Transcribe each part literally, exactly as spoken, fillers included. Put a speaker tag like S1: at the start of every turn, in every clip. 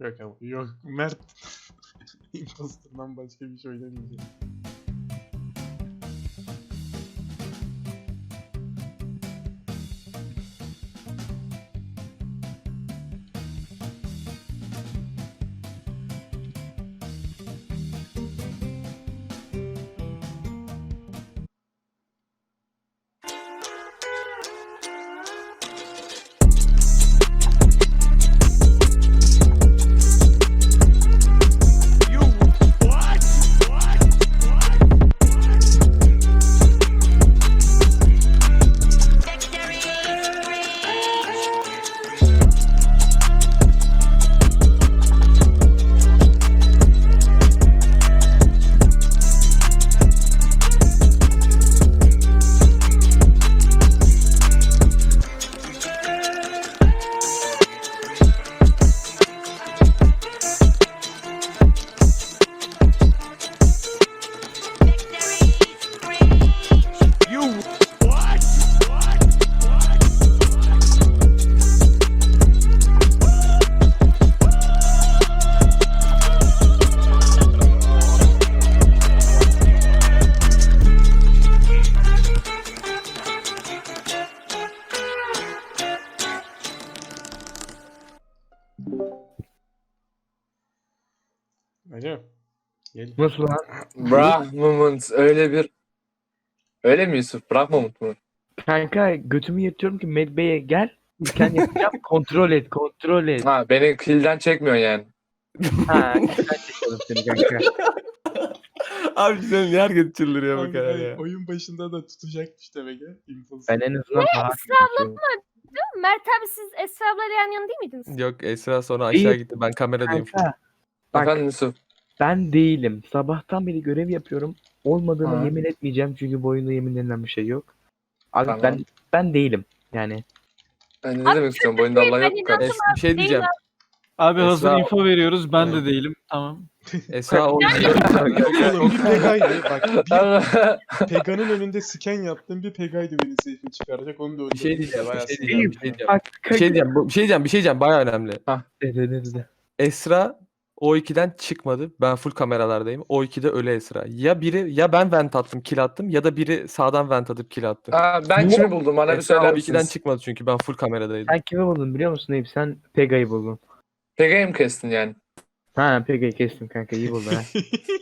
S1: Yok ama. Yok. Mert. Imposter'dan başka bir şey oynamayacak. Hocam. Gel.
S2: Nasıl lan?
S3: Brah moment öyle bir... Öyle mi Yusuf? Brah moment mu?
S2: Kanka götümü yırtıyorum ki Medbay'e gel. Scan yapacağım. Kontrol et. Kontrol et.
S3: Ha beni kill'den çekmiyor yani.
S2: Ha. Ben çekelim seni kanka.
S4: Abi sen niye herkes çıldırıyor bu
S1: Abi,
S4: kadar
S1: hayır,
S4: ya?
S1: oyun başında da tutacakmış demek ya. Imposter.
S2: Ben en azından daha
S5: Mert abi siz Esra ablayla yan yana değil miydiniz?
S4: Yok Esra sonra aşağı
S2: İyi.
S4: gitti. Ben kameradayım.
S2: Kanka. Bak
S3: Efendim Yusuf.
S2: ben değilim. Sabahtan beri görev yapıyorum. Olmadığını
S3: Ha.
S2: yemin etmeyeceğim çünkü bu oyunda yemin denilen bir şey yok. Abi
S3: Tamam.
S2: ben ben değilim. Yani
S3: Yani ne demek istiyorum? Bu oyunda Allah yok bu kadar.
S4: Es- bir şey diyeceğim.
S6: Abi hazır
S4: Esra-
S6: info veriyoruz. Ben
S4: Evet.
S6: de değilim. Tamam.
S4: Esra o
S1: Yok oğlum bir Pega'ydı. Bak bir Pega'nın önünde scan yaptım. Bir Pega'ydı beni safe'e çıkaracak. Onu da
S4: bir şey diyeceğim.
S1: Bayağı
S4: Bir şey
S1: sinirlendim.
S4: diyeceğim. Bir şey diyeceğim.
S2: bak
S4: Bir şey diyeceğim. Bu- Bir şey diyeceğim. Bir şey diyeceğim. Bayağı önemli.
S2: De, de, de, de.
S4: Esra O iki'den çıkmadı. Ben full kameralardayım. O iki'de ölü Esra. Ya biri ya ben vent attım, kill attım ya da biri sağdan vent atıp kill attı.
S3: Aa, ben kimi buldum? Bana bir
S4: Esra
S3: söyler
S4: O iki'den
S3: misiniz?
S4: çıkmadı çünkü ben full kameradaydım.
S2: Sen kimi buldun biliyor musun Eyüp? Sen Pega'yı buldun.
S3: Pega'yı mı kestin yani?
S2: Ha Pega'yı kestim kanka iyi buldun ha.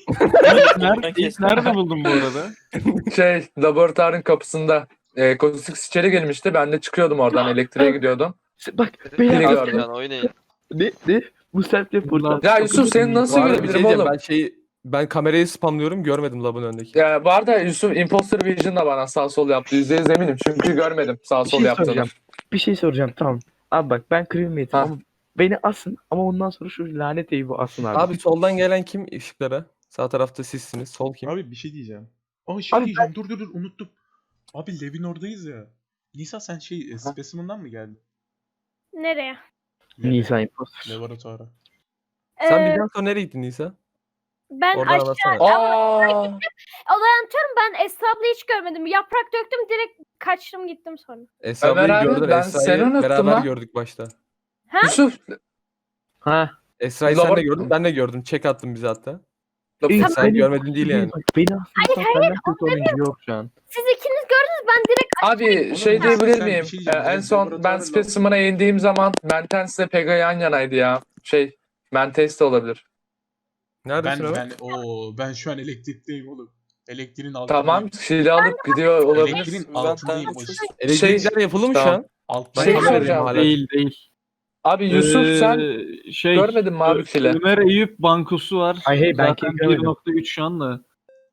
S6: Nerede, ilk nerede buldun bu arada?
S3: Şey, laboratuvarın kapısında. E, Kozix içeri gelmişti. Ben de çıkıyordum oradan. Elektriğe gidiyordum.
S2: Bak
S3: Biri
S2: beyler
S3: gördüm.
S7: Oynayın.
S2: ne ne? Bu self reportlar.
S3: Ya Yusuf senin nasıl
S4: Bu arada bir şey
S3: görebilirim
S4: diyeceğim.
S3: oğlum?
S4: Ben şeyi ben kamerayı spamlıyorum görmedim labın önündeki.
S3: Ya bu arada Yusuf Imposter Vision da bana sağ sol yaptı. Yüzde yüz eminim. Çünkü görmedim sağ
S2: Bir
S3: sol
S2: şey
S3: yaptığını.
S2: soracağım. Bir şey soracağım tamam. Abi bak ben crewmate'im
S3: Ha.
S2: ama beni asın ama ondan sonra şu lanet Eyüp'ü asın abi.
S4: Abi soldan gelen kim ışıklara? Sağ tarafta sizsiniz. Sol kim?
S1: Abi bir şey diyeceğim. Aa şey
S2: Abi
S1: diyeceğim. Dur dur dur unuttum. Abi Levin oradayız ya. Nisa sen şey e, Specimen'dan mı geldin?
S5: Nereye?
S2: Nisa imposter.
S1: Laboratuvara.
S4: Sen
S5: Ee,
S4: birden sonra nereye gittin Nisa?
S5: ben
S4: Oradan
S5: aşağı
S4: anlatsana.
S3: Aa,
S5: olay anlatıyorum, ben Esra ablayı hiç görmedim. Yaprak döktüm, direkt kaçtım gittim sonra.
S4: Esra
S3: Ömer
S4: ablayı
S3: abi,
S4: gördün.
S3: ben
S4: Esra'yı
S3: seni unuttum
S4: beraber
S3: lan.
S4: gördük başta.
S3: Yusuf.
S2: Ha.
S4: Esra'yı sen de
S3: Labor-
S4: gördün. Ben de gördüm. Çek attın bize hatta.
S2: Eyüp,
S4: Sen
S2: beni-
S4: görmedin değil yani.
S2: Bak, beni aslında senden kötü olan yok şu an.
S5: Siz ikiniz gördünüz, ben direkt
S3: Abi
S1: Oğlum,
S3: şey
S1: ya,
S3: diyebilir
S1: sen bir
S3: miyim?
S1: şey diyeceğim.
S3: Ee, en son ben
S1: Laboratuvarda-
S3: Specimen'a indiğim zaman Mentens'le Pega yan yanaydı ya. Şey, Mentes de olabilir.
S4: Neredesin
S1: Ben
S4: Ömer?
S1: ben o ben şu an elektrikteyim oğlum. Elektriğin altındayım.
S3: Tamam, silah alıp gidiyor olabilir.
S1: Elektriğin
S7: Ben-
S1: altındayım.
S7: ben-
S1: Başı-
S4: Elektrikler yapılı mı şu
S3: Tamam.
S4: an?
S1: Altta
S4: Ben
S3: Şey
S4: kameradayım
S3: soracağım.
S4: hala.
S6: Değil değil.
S3: Abi Yusuf
S6: Ee,
S3: sen
S6: şey,
S3: görmedin mi abi file?
S6: Ömer Eyüp bankosu var.
S2: Ay, hey, ben
S6: Zaten
S2: kim görmedim.
S6: bir nokta üç şu anda.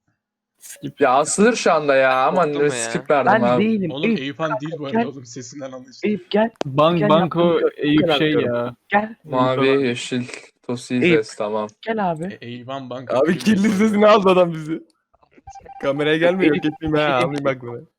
S6: Skip.
S3: Ya asılır şu anda ya. Aman
S7: Korktum ya.
S3: skip verdim
S2: Ben
S3: abi.
S2: değilim.
S1: Oğlum
S2: Eyüp,
S1: Eyüphan değil bu arada
S2: gel.
S1: oğlum sesinden anlaşılıyor.
S2: Eyüp gel.
S6: Bank,
S2: Gel
S6: banko
S2: yaptım, bu
S6: Eyüp
S2: kadar
S6: şey
S2: diyorum.
S6: ya.
S2: Gel.
S3: Mavi,
S6: Eyüp
S3: yeşil,
S2: Eyüp.
S3: Tosizes tamam.
S2: Gel abi.
S1: E, Eyüphan bank.
S4: Abi kirli sesini aldı adam bizi. Kameraya gelmiyor.
S2: Eyüp,
S4: Gitmeyeyim ha.
S2: Eyüp.
S4: Anlayayım bak buna.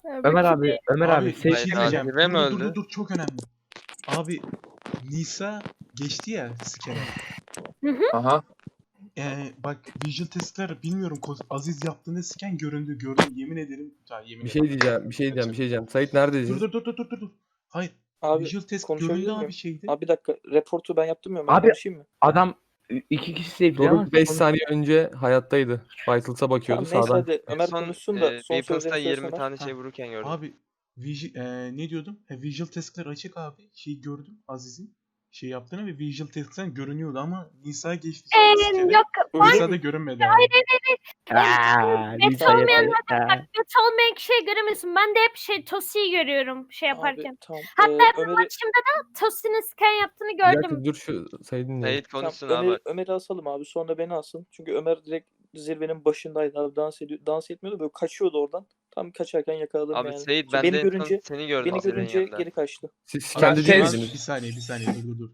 S2: Ömer abi, Ömer abi,
S1: Abi bir
S2: seç.
S1: şey
S7: Hayır,
S1: diyeceğim.
S7: Adile mi
S1: Dur, dur dur
S7: öldü?
S1: dur çok önemli. Abi Nisa geçti ya skene.
S3: Aha.
S1: Ee, bak visual testler bilmiyorum Ko- Aziz yaptığında sken göründü gördüm yemin ederim. Ha, yemin
S4: Bir şey
S1: ederim.
S4: diyeceğim, bir şey diyeceğim, bir şey diyeceğim. Sait neredesin?
S1: Dur dur dur dur dur dur. dur. Hayır.
S8: Abi
S1: Visual test
S8: konuşabilir
S1: göründü
S8: miyim?
S1: abi şeydi.
S8: Abi bir dakika. Reportu ben yaptım ya. Ben
S2: Abi-
S8: konuşayım mı?
S2: Adam iki kişi sevdi ama
S4: Doruk beş saniye önce hayattaydı. Vitals'a bakıyordu
S8: Tamam neyse
S4: sağdan.
S8: hadi. Ömer
S7: son,
S8: konuşsun da
S7: e,
S8: son
S7: Peoples'ta
S8: sözlerini
S7: yirmi
S8: söylesene.
S7: tane
S1: Ha.
S7: şey vururken gördüm.
S1: Abi visual, e, ne diyordum? E, visual testler açık abi. Şey gördüm Aziz'in şey yaptığını ve visual testten görünüyordu ama Nisa geçti. sonra
S5: Ee,
S1: skene.
S5: yok
S1: Nisa da görünmedi abi.
S2: Aaa,
S5: net
S2: Lisa
S5: olmayan
S2: yeter.
S5: bak net olmayan kişiyi göremiyorsun. Ben de hep şey Tosi'yi görüyorum şey yaparken.
S8: Abi tamam.
S5: Hatta
S8: Ee,
S5: bir
S8: Ömer'i,
S5: maçımda da Tosi'nin scan yaptığını
S4: Bir dakika
S5: gördüm.
S4: dur şu Sait'i dinleyelim.
S7: Sait
S8: tamam,
S7: konuşsun abi.
S8: Ömer'i, Ömer'i asalım abi. Sonra beni alsın. Çünkü Ömer direkt zirvenin başındaydı abi. Dans, ediyor, dans etmiyordu. Böyle kaçıyordu oradan. Tam kaçarken yakaladım
S7: Abi
S8: yani.
S7: Sait
S8: Sonra
S7: ben
S8: beni
S7: de en son
S8: görünce,
S7: seni gördüm.
S8: beni
S7: senin
S8: görünce
S7: yanında.
S8: geri kaçtı.
S4: Siz
S1: Abi,
S4: kendi
S3: tez-
S1: bir
S4: değildiniz.
S1: saniye bir saniye dur dur dur.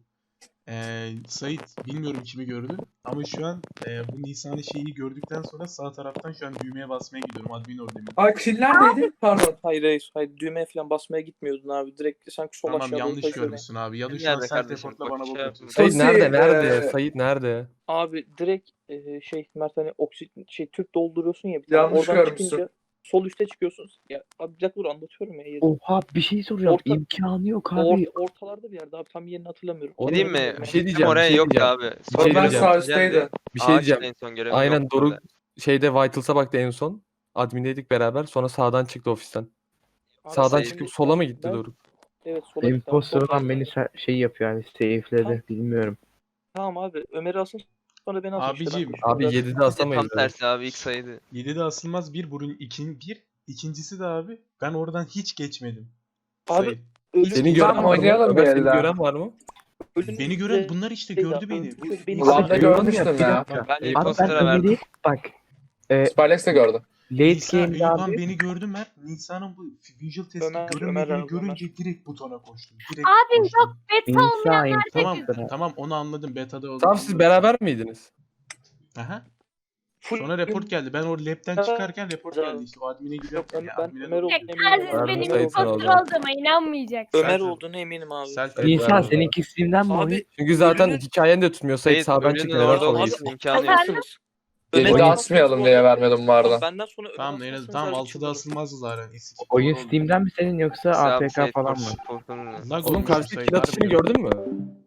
S1: Ee, Sait bilmiyorum kimi gördü ama şu an e, bu Nisan'ın şeyi gördükten sonra sağ taraftan şu an düğmeye basmaya gidiyorum admin oradayım.
S3: Ay kill neredeydi? Pardon.
S8: Hayır hayır. Hayır düğmeye falan basmaya gitmiyordun abi. Direkt sanki sol
S1: Tamam
S8: aşağı doğru
S1: yanlış
S8: kaçıyordun.
S1: görmüşsün abi ya da şu
S7: Nerede
S1: an self
S7: kardeşim?
S1: reportla
S7: Bak,
S1: bana
S7: şey
S1: bakıyorsun.
S7: yapma.
S4: Sait
S3: Sosi,
S4: nerede? Nerede?
S3: e,
S4: Sait nerede?
S8: Abi direkt e, şey Mert hani oksi şey tüp dolduruyorsun ya bir tane.
S3: Yanlış
S8: Oradan
S3: görmüşsün.
S8: çıkınca sol üste çıkıyorsun. Ya abi bir dakika dur anlatıyorum ya. Yeri.
S2: Oha bir şey soracağım.
S8: Orta-
S2: İmkanı yok abi.
S8: Or- ortalarda bir yerde abi tam yerini hatırlamıyorum.
S4: Oğlum,
S7: Gideyim mi?
S4: bir şey
S7: Gittim
S4: diyeceğim,
S7: oraya
S4: bir şey
S7: yok
S4: diyeceğim.
S7: abi.
S4: Bir şey
S3: Ben
S4: diyeceğim.
S3: sağ üstteydim.
S4: Bir şey
S7: Ağaçta
S4: diyeceğim.
S7: en son görev
S4: Aynen
S7: yoktu
S4: Doruk
S7: orada.
S4: şeyde Vitals'a baktı en son. Admin'deydik beraber. Sonra sağdan çıktı ofisten.
S8: Abi
S4: Sağdan
S8: ben-
S4: çıkıp sola mı gitti
S8: ben-
S4: Doruk?
S8: Evet sola gitti abi.
S2: Imposter olan
S8: Oradan-
S2: beni se- şey yapıyor yani safe'ledi. Bilmiyorum.
S8: Tamam abi Ömer'i alsın sonra beni alsın. işte.
S1: Abicim.
S8: Ben-
S4: Abi
S8: Şurada-
S4: yedide
S7: Tam
S4: asamayız. abi.
S7: tersi abi ilk sayıydı.
S1: yedide asılmaz bir burun ikin bir. İkincisi de abi ben oradan hiç geçmedim.
S8: Abi,
S1: Sait.
S8: Ölüm-
S4: Seni gören
S3: Tamam,
S4: var mı?
S3: oynayalım
S4: Ömer
S3: bir
S4: seni
S3: el daha.
S4: gören var mı?
S8: ölüm-
S1: Beni gören bunlar işte
S8: Şey
S1: gördü
S8: ya,
S1: beni.
S8: öldü, beni
S3: Ulan
S8: gördü.
S3: da görmüştüm
S2: Bir
S3: ya.
S2: dakika.
S7: Ben
S2: Abi ben
S7: imposter'a verdim.
S2: Ömer'i bak. E,
S3: Spylex de gördü.
S2: late
S1: Nisa,
S2: game'de
S1: Eyüphan
S2: abi.
S1: beni gördü Mert. Nisa'nın bu visual testi
S8: Ömer,
S1: görünmediğini
S8: Ömer abi,
S1: görünce direkt butona koştum. Direkt
S5: Abi
S1: koştum.
S5: yok beta
S2: İnsan
S5: olmayanlar
S1: Tamam
S2: imposter.
S1: tamam onu anladım beta'da oldu.
S4: Tamam siz beraber miydiniz?
S1: Aha.
S8: Full-
S1: Sonra report geldi. Ben o lab'den
S8: Evet.
S1: çıkarken report geldi. İşte o admin'e
S8: Yok,
S1: gidiyor.
S8: ben,
S1: Yani
S8: ben
S1: admin'e
S8: Ömer
S1: doğru
S8: olduğuna
S1: gidiyor.
S5: Aziz
S8: eminim.
S4: Verdim,
S5: benim
S4: Sait
S5: imposter
S4: oldu.
S5: olduğuma inanmayacaksın.
S8: Ömer
S1: Selfie.
S8: olduğuna eminim abi.
S1: Selfie.
S4: Evet,
S2: İnsan
S4: verdim.
S2: seninki stream'den mi
S8: Abi
S2: oluyor?
S4: Çünkü zaten
S8: Ölünün-
S4: hikayen de tutmuyor. Sait
S7: Sait
S4: sağdan
S7: ölünün
S4: çıktı. Neden
S7: orada
S4: sola
S7: olmasının
S4: gitti?
S7: imkanı yok.
S8: Haklısınız.
S3: Yedide
S8: Ömer'in
S3: asmayalım diye vermedim bu arada.
S8: Benden sonra Ömer
S1: Tamam Enes
S8: asmasını
S1: tamam
S8: sadece
S1: altıda
S8: çıldırırım.
S1: asılmazdı zaten. Eski
S2: Oyun
S1: doğru oldu.
S2: Steam'den mi senin yoksa
S7: Mesela
S2: A
S7: abi
S2: P K
S7: Sait
S2: falan
S7: kork-
S2: mı?
S7: korkunun-
S1: Lag
S4: Oğlum
S1: olmuş
S4: karşıdaki
S1: Sait,
S4: kill atışını
S1: harbiden.
S4: gördün mü?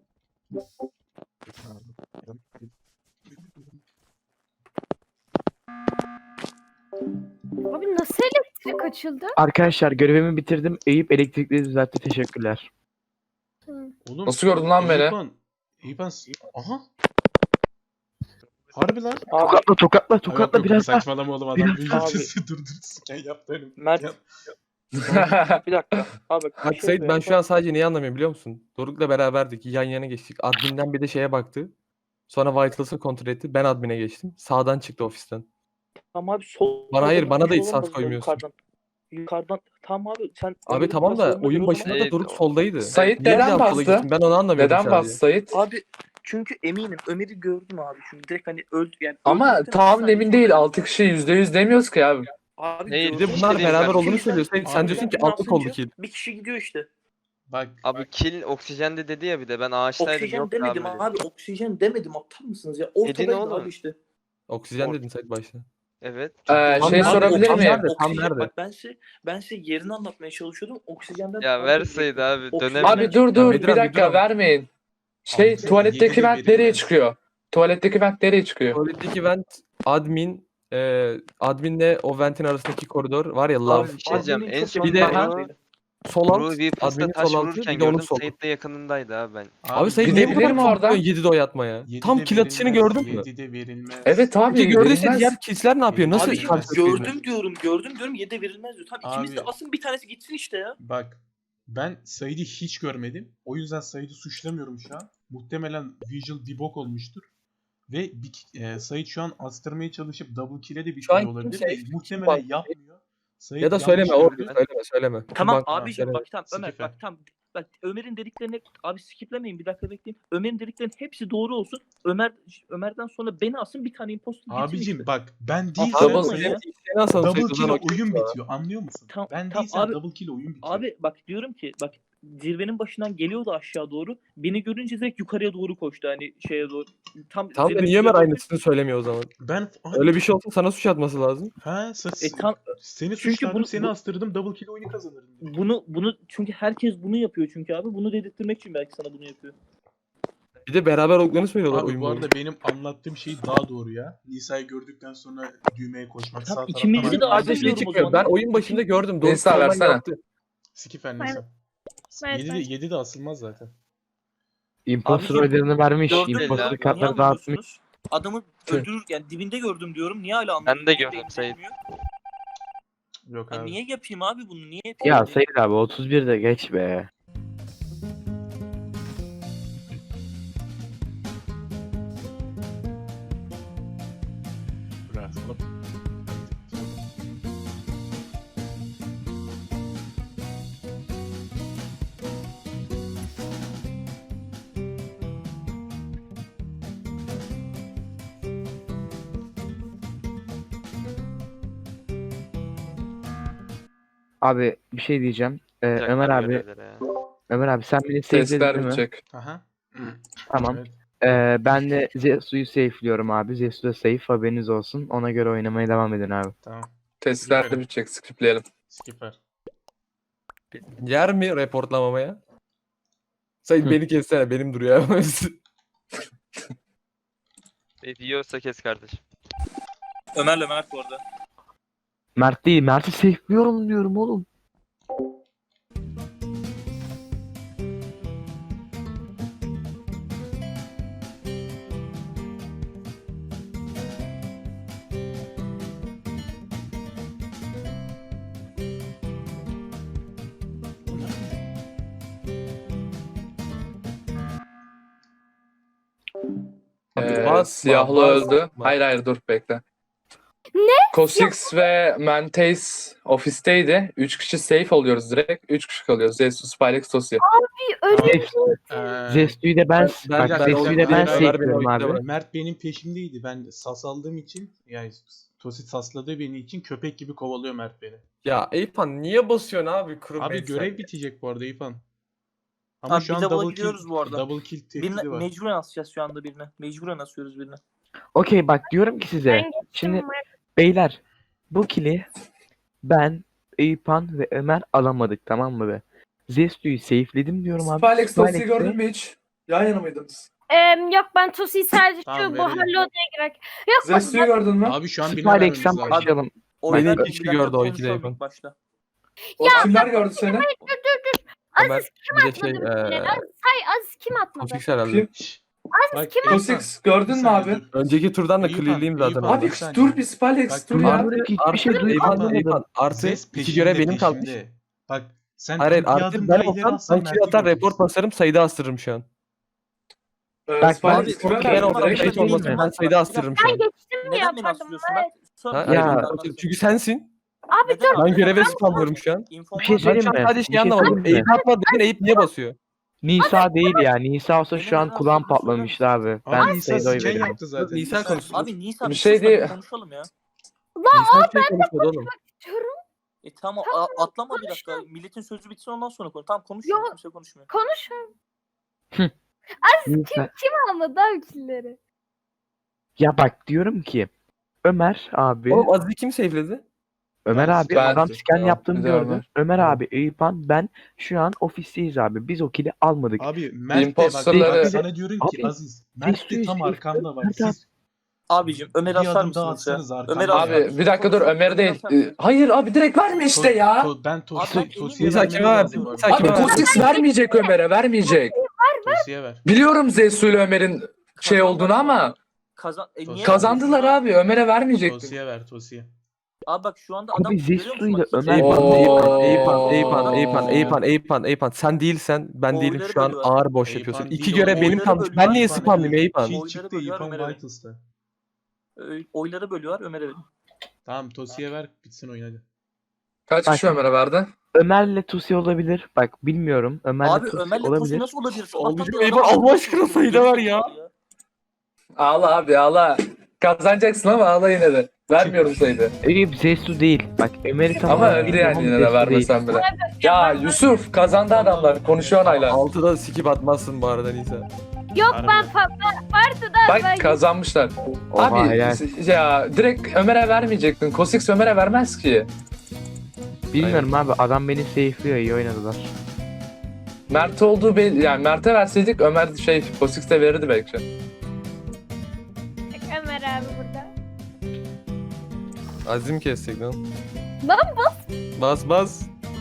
S5: Abi nasıl elektrik açıldı?
S2: Arkadaşlar görevimi bitirdim. Eyüp elektrikleri düzeltti. Teşekkürler.
S1: Oğlum,
S3: Nasıl gördün lan beni?
S1: Eyüphan. Eyüphan. Aha. Harbi lan.
S8: Abi
S2: Tokatla tokatla
S1: Yok,
S2: tokatla
S1: yok,
S2: biraz daha.
S1: saçmalama oğlum adam
S2: Biraz
S1: bir
S8: daha.
S1: sesi durdur sken yaptı önüm.
S8: Mert-
S1: Ya-
S8: bir dakika. Abi bak, bir
S4: Bak
S8: şey
S4: Sait ben
S8: söyleyeyim.
S4: şu an sadece neyi anlamıyorum biliyor musun? Doruk'la beraberdik. Yan yana geçtik. Admin'den bir de şeye baktı. Sonra Vitals'ı kontrol etti. Ben admin'e geçtim. Sağdan çıktı ofisten.
S8: Tamam abi sol.
S4: Bana hayır,
S8: soldan
S4: bana da
S8: bir
S4: hiç
S8: şey
S4: sas
S8: olamaz
S4: koymuyorsun.
S8: Yukarıdan. Yukarıdan. Tamam abi sen.
S4: Abi
S8: Ömer'in
S4: tamam da
S8: paslarını
S4: oyun
S8: o
S4: başında
S8: zaman-
S4: da
S7: Evet,
S4: Doruk
S7: o-
S4: soldaydı.
S3: Sait
S4: Niye
S3: neden
S4: bir daha sola
S3: bastı?
S4: gittin? Ben onu anlamıyorum
S3: Neden
S4: sadece.
S3: bastı Sait?
S8: Abi çünkü eminim Ömer'i gördüm abi şimdi direkt hani öldü yani.
S3: Ama
S8: öldükten
S3: tam
S8: bir saniye
S3: emin
S8: sonra-
S3: değil. altı kişi yüzde yüz demiyoruz ki abi.
S8: Abi
S7: Hayır,
S4: Bir
S8: gördüm
S4: de
S7: İşte
S4: bunlar
S7: değil,
S4: beraber
S7: ben-
S4: olduğunu söylüyor. Sen, sen
S1: Abi
S4: diyorsun ki
S8: ben
S4: altlık oldu
S8: basınca
S4: kill.
S8: Bir kişi gidiyor işte.
S1: Bak
S7: Abi kill oksijende dedi ya bir de ben ağaçtaydım
S8: Oksijen
S7: yok
S8: demedim
S7: abi.
S8: abi. Oksijen demedim aptal mısınız ya?
S7: Dedin
S8: Ortadaydı
S7: oğlum.
S8: abi işte.
S4: Oksijen
S8: Or-
S4: dedin Sait başta.
S7: Evet.
S3: Ee,
S4: Tam
S3: şey
S4: nerede?
S3: sorabilir
S4: Tam
S3: miyim?
S4: nerede? Tam
S8: Oksijen-
S4: nerede?
S8: Bak ben size, ben size yerini anlatmaya çalışıyordum. Oksijenden...
S7: Ya verseydi abi
S8: Oksijen-
S7: dönemedim.
S3: Abi dur dur
S4: Bedir
S3: bir
S4: abi,
S3: dakika
S4: dur.
S3: vermeyin. Şey
S1: Abi,
S3: tuvaletteki
S1: yedi de
S3: vent nereye
S1: verilmez.
S3: çıkıyor? Tuvaletteki vent nereye çıkıyor?
S4: Tuvaletteki vent admin e, adminle o ventin arasındaki koridor var ya lav.
S7: Abi bir şey diyeceğim.
S8: Admin'in
S7: En
S8: çok
S7: son
S4: Bir de-
S8: yakın-
S4: Sol alt.
S7: Ruby Plus'ta
S4: Admin'in
S7: taş
S4: sol altı.
S7: vururken
S4: Bir de onun
S7: gördüm.
S4: solu.
S7: Sait de yakınındaydı abi ben.
S4: Abi Sait
S3: Bir
S4: niye
S3: de
S4: bu kadar
S3: bilir mi
S4: çok
S3: oradan?
S4: vuruyorsun yedide o yatmaya?
S1: yedi
S4: Tam
S1: de
S4: kill atışını
S1: verilmez,
S4: gördün mü?
S1: yedi de verilmez.
S3: Evet abi.
S4: Peki gördüyse
S3: verilmez.
S4: diğer kişiler ne yapıyor? Nasıl
S8: Abi
S1: Abi,
S4: karşılık veriyor?
S8: gördüm diyorum, gördüm diyorum. Yedi verilmez diyor. Tamam ikimiz de
S1: Abi.
S8: asın bir tanesi gitsin işte ya.
S1: Bak ben Said'i hiç görmedim. O yüzden Said'i suçlamıyorum şu an. Muhtemelen visual debug olmuştur. Ve bir, e, Said şu an astırmaya çalışıp double kill'e de bir
S4: Şu an
S1: şey olabilir.
S4: kimse-
S1: de Muhtemelen
S4: bak-
S1: yapmıyor. Said
S4: Ya da
S1: yanlış
S4: söyleme o
S1: gördü.
S4: söyleme söyleme.
S8: Tamam
S4: Bak,
S8: abiciğim
S4: söyleme.
S8: bak tamam Ömer
S1: Skife.
S8: bak tamam. bak Ömer'in dediklerini abi skiplemeyin bir dakika bekleyin. Ömer'in dediklerinin hepsi doğru olsun. Ömer Ömer'den sonra beni asın bir tane imposter gitsin
S1: Abicim
S8: işte.
S1: bak ben
S8: Double
S1: değilsem
S8: kill
S1: sayı-
S8: ya.
S4: Nasıl
S1: double
S4: sayıdan
S1: kill
S4: okey
S1: oyun
S4: sana.
S1: bitiyor. Anlıyor musun?
S8: Tam-
S1: ben
S8: tam
S1: değilsem
S8: abi-
S1: double kill oyun bitiyor.
S8: Abi bak diyorum ki bak zirvenin başından geliyordu aşağı doğru. Beni görünce direkt yukarıya doğru koştu hani şeye doğru. Tam
S4: Tamam da
S8: zirvenin
S4: niye Ömer
S8: üzerine-
S4: aynısını söylemiyor o zaman?
S1: Ben
S4: Öyle bir şey olsa sana suç atması lazım.
S1: Ha, sa-
S8: E, tam-
S1: seni
S8: çünkü
S1: suçladım,
S8: bunu-
S1: seni
S8: bu-
S1: astırdım, double kill oyunu kazanırım.
S8: Bunu bunu çünkü herkes bunu yapıyor çünkü abi. Bunu dedirtmek için belki sana bunu yapıyor.
S4: Bir de beraber olduklarını söylüyorlar
S1: Abi
S4: oyun
S1: bu
S4: boyunca.
S1: arada benim anlattığım şey daha doğru ya. Nisa'yı gördükten sonra düğmeye koşmak, sağ
S8: Tamam,
S1: taraftan
S8: ikimizi
S1: ayrı-
S8: de
S1: ayrı-
S8: ayrı
S4: Sadece şey
S8: biliyorum o
S4: çıkıyor.
S8: zaman.
S4: Ben oyun başında gördüm. Doğru
S3: Nisa,
S4: sıradan
S3: versene.
S4: yaptı.
S1: Skifer
S5: Ben-
S1: Nisa.
S5: Evet,
S1: yedi de,
S5: evet.
S1: yedi de asılmaz zaten.
S2: Imposter
S8: Abicim,
S2: oylarını vermiş.
S8: Gördün mü?
S2: Imposter
S7: Niye
S2: kartları dağıtmış.
S8: anlamıyorsunuz? Adamı
S4: Tüh.
S8: öldürür yani dibinde gördüm diyorum. Niye hala
S7: Ben
S8: anlamıyorsun?
S7: de
S8: Niye
S7: gördüm
S8: değil
S7: Sait.
S8: demiyor?
S1: Yok
S8: Ya
S1: abi.
S8: niye yapayım abi bunu? Niye yapayım?
S2: Ya Sayın abi otuz bir de geç be.
S1: Bırak sana-
S2: Abi bir şey diyeceğim. Ee,
S7: Yapacak
S2: Ömer abi,
S7: görevleri ya.
S2: Ömer abi sen beni safe'ledin
S3: Testler
S2: değil mi?
S3: bitecek.
S1: Aha.
S2: Tamam.
S1: Evet.
S2: Ee, ben de Zesu'yu safe'liyorum abi. Zesu da safe, haberiniz olsun. Ona göre oynamaya devam edin abi.
S1: Tamam.
S3: Testler de bitecek. Skipleyelim.
S1: Skifer.
S4: Yer mi reportlamamaya? Sayın beni kessene. Benim duruyor.
S7: E, diyorsa kes kardeşim.
S8: Ömer'le Mert bu arada.
S2: Mert değil, Mert'i safe'liyorum diyorum oğlum.
S3: Ee,
S4: Basma,
S3: siyahlı
S4: basma.
S3: öldü. Hayır hayır dur bekle.
S5: Ne?
S3: Kosix ve Mantace ofisteydi. üç kişi safe oluyoruz direkt. üç kişi kalıyoruz. Zeus, Spylex, Tosi.
S5: Bir ölü
S1: Ee,
S2: Zesu'yu da ben,
S4: Ben-
S2: bak
S4: ben-
S2: Zesu'yu
S1: ben-
S2: da ben
S1: ben-
S2: safe'liyorum
S4: ben-
S2: abi.
S1: Mert benim peşimdeydi. Ben sas aldığım için, yani Tosit sasladığı beni için köpek gibi kovalıyor Mert beni.
S4: Ya Eyüphan niye basıyorsun abi? Kurum
S1: Abi
S4: Bey sen?
S1: görev bitecek bu arada İrfan. Ama
S8: Abi
S1: şu
S8: bir
S1: an
S8: double'a
S1: double
S8: gidiyoruz
S1: kill,
S8: bu arada.
S1: double kill
S8: Birine,
S1: tehdidi var.
S8: mecburen asacağız şu anda birine. Mecburen asıyoruz birine.
S2: Okey bak diyorum ki size.
S5: Ben geçtim.
S2: Şimdi
S5: Mert.
S2: beyler bu kili ben, Eyüphan ve Ömer alamadık, tamam mı be? Zestu'yu safe'ledim diyorum abi.
S3: Spylex, Tosi
S2: Spylex'te-
S3: gördün mü hiç? Yan yana mıydınız?
S5: Em, yok ben Tosi'yi sadece
S1: Tamam,
S5: şu bu
S1: verelim.
S5: hallo odaya girerek. Yok bak
S3: Zeus'u gördün mü?
S1: Abi şu an birine vermemiz
S2: Spylex'ten
S1: lazım.
S2: başlayalım.
S8: Oylar
S4: iki kişi gördü o ikide
S8: konuşalım
S4: yakın.
S8: ilk başta.
S3: O kimler gördü seni?
S4: Ömer
S5: Aziz kim
S4: bir de
S5: atmadı
S4: şey
S5: bir kere?
S4: eee
S5: Aziz, hay Aziz kim atmadı?
S4: Kosix herhalde.
S3: Kim?
S1: Şşş.
S5: Aziz
S1: Bak,
S5: kim
S1: İrfan,
S3: Kosix gördün
S1: bir
S3: mü
S1: saniye
S3: abi?
S1: dur.
S4: Önceki turdan da
S1: Eyüphan,
S4: clearliyim zaten.
S1: Eyüphan.
S4: ben.
S3: Abi
S1: bir saniye.
S3: dur bir Spylex
S1: Bak,
S3: dur
S1: dur
S3: ya.
S2: Artı, hiçbir
S4: Artı
S2: şey
S4: Eyüphan,
S2: duymadım.
S4: Eyüphan, artı
S1: Zes
S4: iki
S1: peşinde,
S4: görev benim kalmış.
S1: peşinde. Bak sen
S4: Hayır hayır
S1: bir
S4: artı
S1: adım
S4: ben
S1: daha ileri
S4: olsam
S1: atsan
S4: ben kill
S1: Mert'i
S4: atar report
S1: göreceksin.
S4: basarım sayıda astırırım şu an.
S3: Ee,
S2: Bak,
S3: Spylex
S8: abi,
S3: kime
S8: okey,
S4: Ben
S3: verdin?
S8: olmaz,
S4: olsam
S8: öyle
S4: kayıt
S8: değil
S4: olmasın
S8: mi?
S4: ben sayıda astırırım şu
S5: Ben
S4: an.
S5: geçtim mi
S8: Neden beni
S5: yapardım?
S8: asıyorsun?
S5: Evet.
S8: Bak, sonra
S4: Ha,
S8: bir
S2: Ya-
S8: dakika
S4: hayır,
S8: anlatsın.
S4: çünkü sensin.
S5: Abi
S8: Neden
S5: dur.
S8: abi?
S4: Ben göreve
S8: Ben-
S4: spamlıyorum şu an.
S8: İnfom
S2: Bir şey
S8: var mı?
S4: Ben
S2: söyleyeyim
S4: şu an
S2: mi?
S4: sadece
S2: Bir
S4: şey
S2: şey
S4: anlamadım.
S2: söyleyeyim mi?
S4: Eyüp atmadı dedin Eyüp niye basıyor?
S2: Nisa değil ya. Nisa olsa şu an
S8: Benim
S2: kulağım
S8: neden astırdığını
S2: patlamıştı abi.
S1: Abi
S2: Ben
S1: Nisa
S2: sayıda oy
S1: siken
S2: veririm.
S1: yaptı zaten.
S4: Nisa konuşsun.
S8: Abi Nisa
S3: Bir
S8: bir
S3: şey
S8: şey
S3: değil.
S8: konuşalım ya.
S4: Nisa şey konuşmadı oğlum.
S5: Diyorum.
S8: E tamam a- atlama bir dakika. Milletin sözü bitsin ondan sonra konuş. Tamam konuş.
S5: Yok.
S8: Kimse konuşmuyor.
S5: Konuş.
S2: Nisa.
S5: Kim almadı abi killeri?
S2: Ya bak diyorum ki Ömer abi,
S4: Oğlum Aziz'i kim save'ledi?
S2: Ömer
S1: Ben-
S2: abi
S3: ben-
S2: adam scan
S3: Tamam,
S2: yaptığını
S3: bir daha
S2: gördü.
S3: Ömer.
S2: Ömer
S3: Tamam.
S2: abi, Eyüphan, ben şu an ofisteyiz abi. Biz o kili almadık.
S1: Abi Mert de bak,
S3: Imposterları-
S1: bak sana diyorum ki
S2: Abi,
S1: Aziz. Mert de
S2: Zestu'yu
S1: tam
S2: safe-
S1: arkamda bak.
S2: Mert abi-
S1: Siz
S8: Abicim Ömer'i
S1: bir
S8: asar
S1: adım daha
S8: mısınız ya?
S1: atsanız arkamda.
S8: Ömer'i asar
S3: Abi
S8: mısınız?
S3: bir dakika dur
S8: Konuşalım,
S3: Ömer değil.
S8: Ömer'i asar
S3: Ee, Hayır abi direkt verme işte
S1: To-
S3: ya.
S1: to- ben
S8: Abi
S1: Tosi,
S8: ben
S1: Tosi'ye
S4: Nisa
S1: vermem
S4: kime verdin?
S1: lazım bu arada.
S4: Nisa
S3: Abi
S4: kime verdin?
S3: Kosix vermeyecek Ömer'e vermeyecek.
S1: Tosi'ye ver.
S3: Biliyorum Zeus ile Ömer'in şey olduğunu ama
S8: Kazan e, niye
S3: kazandılar abi. Ömer'e vermeyecek.
S1: Tosi'ye ver Tosi'ye.
S8: Abi bak şu anda
S2: Abi
S8: adam görüyor
S2: Zestu
S8: musun?
S2: ile
S8: Bak,
S2: Ömer-
S8: Eyüp-
S3: Oo.
S4: Eyüphan, Eyüphan, Eyüphan, Eyüphan,
S3: Oo.
S4: Eyüphan, Eyüphan, Eyüphan. Sen değilsen ben değilim
S8: Oyları
S4: şu an
S8: bölüyorlar.
S4: ağır boş
S1: Eyüphan
S4: yapıyorsun.
S1: değil,
S4: İki görev
S1: oyları
S4: benim kalmış.
S8: bölüyorlar.
S4: Ben niye
S1: İrfan
S4: spamlayayım Eyüphan?
S1: Kill
S8: Oyları
S1: çıktı
S8: bölüyor,
S1: İrfan
S8: Ömer'e ver.
S1: Vitals'ta.
S8: Ö- oyları bölüyorlar Ömer'e verin.
S1: Tamam Tosi'ye ver bitsin oyun hadi.
S3: Kaç
S2: Bak.
S3: kişi Ömer'e verdi?
S2: Ömer'le Tusi olabilir. Bak bilmiyorum. Ömer'le
S9: Abi
S2: Tusi
S9: Ömer'le Tosun
S2: olabilir.
S9: nasıl olabilir?
S4: Olmayacak.
S9: Sabahtan beri
S4: Eyvah,
S9: adam-
S4: Allah aşkına sayıda var ya.
S3: Ağla abi ağla. Kazanacaksın ama ağla yine de. Vermiyorum sayıyı.
S2: Eyüp Zestu değil. Bak Ömer'i tamam.
S3: Ama öldü yani yine de vermesen bile. Ya Yusuf kazandı adamlar. Konuşuyor hala.
S4: altıda skip atmazsın bu arada Nisa.
S5: Yok
S1: Harbi.
S5: ben fa- ben- vardı da ben
S3: Bak kazanmışlar.
S2: Oha,
S3: Abi
S2: helal.
S3: ya direkt Ömer'e vermeyecektin. Kosix Ömer'e vermez ki.
S2: Bilmiyorum abi adam beni safe'liyor, iyi oynadılar.
S3: Mert olduğu belli. Yani Mert'e verseydik Ömer şey Kosix de verirdi belki.
S5: Ömer abi burada.
S4: Azim kesecek lan.
S5: Lan bas.
S4: Bas bas.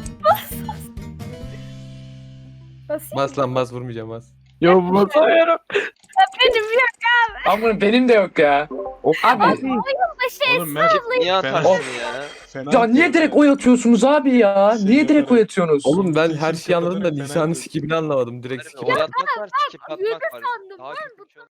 S5: Basayım.
S4: Bas lan bas, vurmayacağım bas.
S2: Yo basamıyorum.
S5: Benim yok.
S3: Ama benim de yok ya. Abi
S5: Başı
S1: Oğlum Mert
S7: Niye
S1: Fena-
S7: atarsın ya?
S1: fena
S3: ya niye
S1: atıyor.
S3: direkt oy atıyorsunuz abi ya?
S1: Şey
S3: Niye direkt
S1: yaparak-
S3: oy atıyorsunuz?
S4: Oğlum ben
S1: İkinci
S4: her şeyi anladım da
S1: kapıda
S4: Nisa'nın
S1: fena
S4: skipini anlamadım. Direkt skip
S7: Oy
S4: attım.
S7: atmak var, skip
S5: Yürü
S7: atmak var.
S5: sandım
S7: Daha
S5: ben
S7: kötü bir şey olmaz.